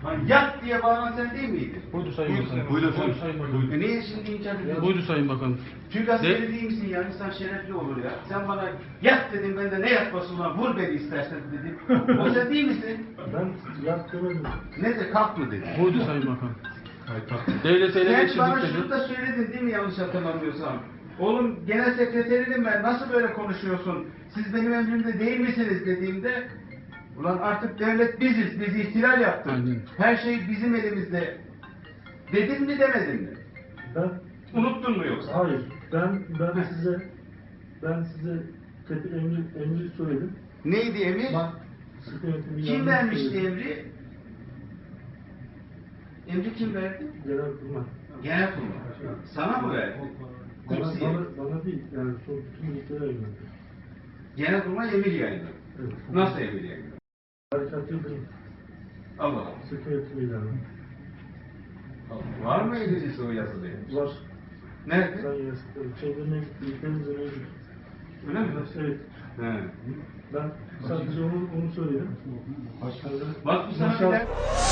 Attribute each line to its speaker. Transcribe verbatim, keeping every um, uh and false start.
Speaker 1: Hani yat diye bağıran sen değil miydin?
Speaker 2: Buydu Sayın Bakanım.
Speaker 1: Buydu,
Speaker 2: Buydu Sayın Bakanım.
Speaker 1: E niye şimdi inkar ediyorsun?
Speaker 2: Buydu Sayın Bakanım.
Speaker 1: Türk askeri değil misin ya? İnsan şerefli olur ya. Sen bana yat dedin, ben de ne yatması ulan, vur beni istersen dedim. O sen değil misin?
Speaker 3: Ben yat demedim.
Speaker 1: Ne de kalk mı dedin?
Speaker 2: Buydu Sayın Bakanım. Devleti ele
Speaker 1: Sen
Speaker 2: geçirdik
Speaker 1: bana
Speaker 2: dedi.
Speaker 1: şunu da söyledin değil mi, yanlış hatırlamıyorsam? Oğlum genel sekreterinim ben, nasıl böyle konuşuyorsun? Siz benim emrimde değil misiniz dediğimde, ulan artık devlet biziz, biz ihtilal yaptık.
Speaker 2: Aynen.
Speaker 1: Her şey bizim elimizde. Dedin mi demedin mi?
Speaker 3: Ben
Speaker 1: Unuttun mu yoksa?
Speaker 3: hayır. Ben ben size ben size tepi emri emri söyledim.
Speaker 1: Neydi emir?
Speaker 3: Bak sıkı yönetimi
Speaker 1: Kim
Speaker 3: yanlış
Speaker 1: vermişti
Speaker 3: söyledim.
Speaker 1: emri? Emri kim verdi?
Speaker 3: Genelkurmay.
Speaker 1: Genelkurmay. Sana mı verdi?
Speaker 3: Bana,
Speaker 1: Kutsiye.
Speaker 3: bana, bana değil yani son bütün ülkelere yöneldi.
Speaker 1: Genelkurmay emir yayınladı.
Speaker 3: Evet.
Speaker 1: Nasıl emir yayınladı?
Speaker 3: Harekat Yıldırım.
Speaker 1: Allah Allah.
Speaker 3: Sıkı yönetimi ilanı.
Speaker 1: Var mı elinizde o yazılı?
Speaker 3: Var.
Speaker 1: Nerede?
Speaker 3: Ben yazdım. Şeyde mevcut. Ülkemizde mevcut.
Speaker 1: Öyle mi?
Speaker 3: Evet.
Speaker 1: He.
Speaker 3: Ben sadece onu, onu söyledim. Başkanlar.
Speaker 1: Bak bu sana
Speaker 3: İnşallah-
Speaker 1: bilen-